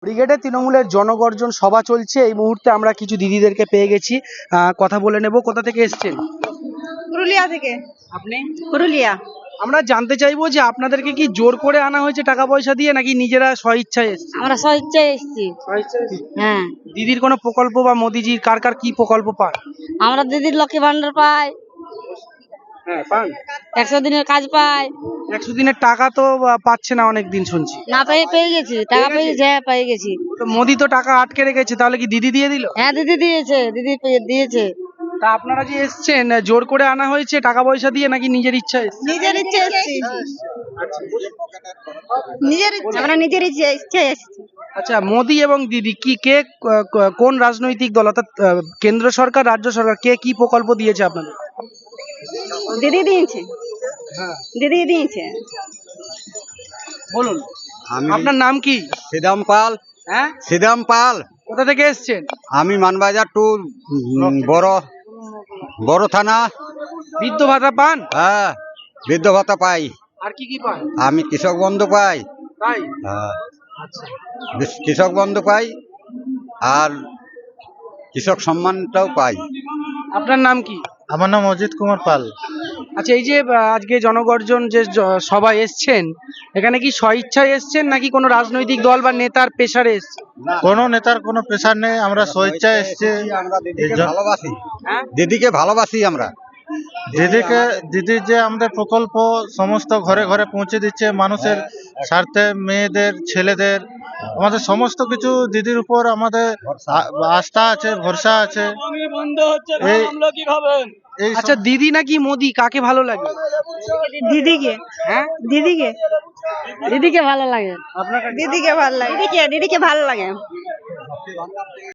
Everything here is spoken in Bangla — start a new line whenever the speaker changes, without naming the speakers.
ব্রিগেডে তৃণমূলের জনগর্জন সভা চলছে। এই মুহূর্তে আমরা কিছু দিদিদেরকে পেয়ে গেছি, কথা বলে নেব। কোথা থেকে এসেছেন?
পুরুলিয়া থেকে।
আপনি?
পুরুলিয়া।
আমরা জানতে চাইবো যে আপনাদেরকে কি জোর করে আনা হয়েছে টাকা পয়সা দিয়ে, নাকি নিজেরা স্বইচ্ছায় এসেছে?
আমরা স্বইচ্ছায় এসেছি। হ্যাঁ,
দিদির কোনো প্রকল্প বা মোদিজির কার কার কি প্রকল্প পান?
আমরা দিদির লক্ষ্মী ভান্ডার পাই,
হ্যাঁ, পান।
100 দিনের কাজ পাই।
100 দিনের টাকা তো পাচ্ছে না অনেক দিন শুনছি।
না পেয়ে গেছি, টাকা পেয়ে গেছি। হ্যাঁ, পেয়ে গেছি।
তো মোদি তো টাকা আটকে রেখেছে, তাহলে কি দিদি দিয়ে দিল?
হ্যাঁ, দিদি দিয়েছে, দিয়েছে।
তা আপনারা যে এসছেন, জোর করে আনা হয়েছে টাকা পয়সা দিয়ে, নাকি নিজের ইচ্ছা এসেছে?
নিজের ইচ্ছে এসেছি। আমরা নিজের ইচ্ছে এসেছি।
আচ্ছা, মোদি এবং দিদি কি কে কোন রাজনৈতিক দল, অর্থাৎ কেন্দ্র সরকার রাজ্য সরকার কে কি প্রকল্প দিয়েছে আপনাদের?
দিদি দিয়েছে।
হ্যাঁ,
দিদি দিয়েছে।
বলুন। আপনার নাম কি?
শ্রীরাম পাল।
হ্যাঁ,
শ্রীরাম পাল।
কোথা থেকে এসছেন?
আমি মানবাজার টু বড় থানা।
বৃদ্ধ ভাতা পান?
হ্যাঁ, বৃদ্ধ ভাতা পাই।
আর কি কি পান?
আমি কৃষক বন্ধু পাই।
তাই?
হ্যাঁ,
আচ্ছা,
কৃষক বন্ধু পাই আর কৃষক সম্মানটাও পাই।
আপনার নাম কি?
আমার নাম অজিত কুমার পাল।
আচ্ছা, এই যে আজকে জনগর্জন যে সবাই এসছেন, এখানে কি স্বইচ্ছায় এসছেন, নাকি কোনো রাজনৈতিক দল বা নেতার প্রেসারে এসছেন?
কোনো নেতার কোনো প্রেশার নেই, আমরা স্বেচ্ছায় এসেছি।
আমরা দিদিকে ভালোবাসি।
হ্যাঁ?
দিদিকে ভালোবাসি আমরা।
দিদির যে আমাদের প্রকল্প সমস্ত ঘরে ঘরে পৌঁছে দিচ্ছে মানুষের স্বার্থে, মেয়েদের, ছেলেদের, আমাদের সমস্ত কিছু দিদির উপর আমাদের আস্থা আছে, ভরসা আছে। এই
আচ্ছা, দিদি নাকি মোদি, কাকে ভালো লাগে?
দিদিকে।
হ্যাঁ,
দিদিকে। দিদিকে ভালো লাগে।
আপনার
দিদিকে ভালো লাগে। দিদিকে ভালো লাগে।